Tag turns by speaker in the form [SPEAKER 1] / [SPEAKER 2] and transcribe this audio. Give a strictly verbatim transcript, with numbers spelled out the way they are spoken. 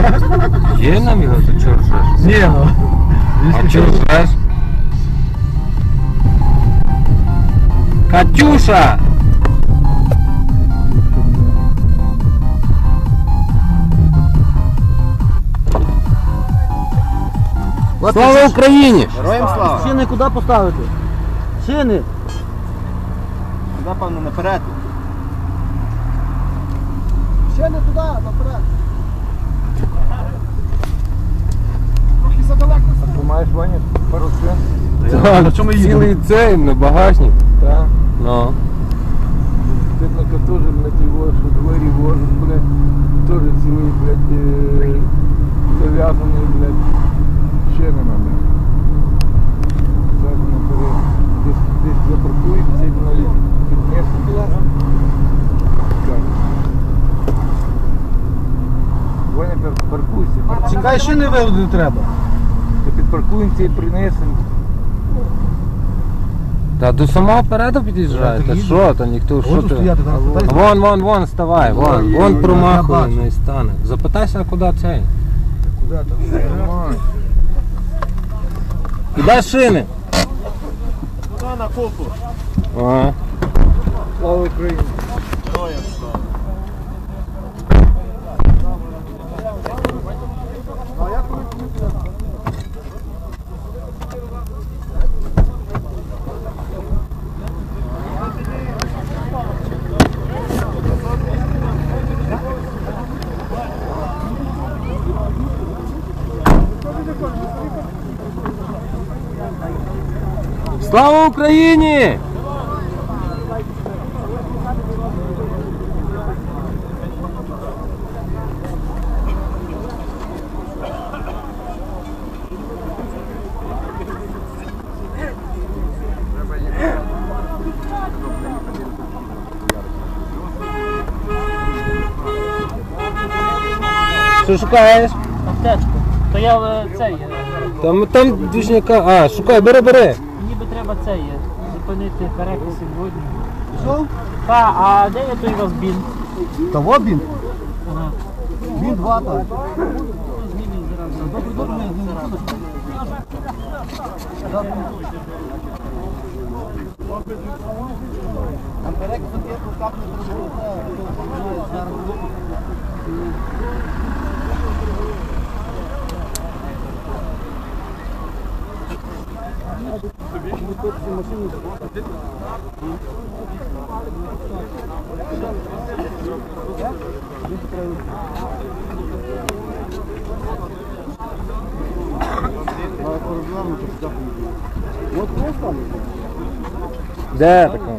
[SPEAKER 1] Є нам його, то чого ржеш?
[SPEAKER 2] Ні, ну.
[SPEAKER 1] А чого ржеш? Катюша! Слава Україні!
[SPEAKER 3] Героям слава!
[SPEAKER 2] Шини куди поставити? Шини!
[SPEAKER 3] Туди, певно, наперед.
[SPEAKER 2] Шини туди, наперед! Трохи задалеко. А ти маєш, Ваня, пару шин?
[SPEAKER 1] Так, цілий цей на багажник.
[SPEAKER 2] Так.
[SPEAKER 1] Ну.
[SPEAKER 2] Тетника теж, блядь, його, що двері возить, блядь, теж цілий, блядь, е, зав'язаний, блядь, шинами, блядь. Задньо перед, десь, десь запаркують, цей, блядь, піднесуть. Ваня, паркуйся. Чекай, шини виводи треба. Та підпаркуємося і принесемо.
[SPEAKER 1] Та до самого переду під'їжджає, та що, та ніхто, що ти? Вон, вон, вон, ставай, вон, вон промахує, не стане. Запитайся, куди цей?
[SPEAKER 2] Куди там?
[SPEAKER 1] Куди шини?
[SPEAKER 3] Туди на купу.
[SPEAKER 1] Ага.
[SPEAKER 2] Слава Україні!
[SPEAKER 3] Героям слава!
[SPEAKER 1] Слава Україні! Що шукаєш?
[SPEAKER 4] Аптечку. То я е, цей. е,
[SPEAKER 1] Там, там движняка. А, шукай, бери, бери.
[SPEAKER 4] Ніби треба цей. е, Зупинити перекис сьогодні.
[SPEAKER 2] Що?
[SPEAKER 4] Та, а де є той у вас бін?
[SPEAKER 2] Того бін?
[SPEAKER 4] Ага.
[SPEAKER 2] Бін два так.
[SPEAKER 4] Змінюй зразу.
[SPEAKER 2] Добре, добре, не зразу. А перекис є рукавні зробити, зараз.
[SPEAKER 1] Де така?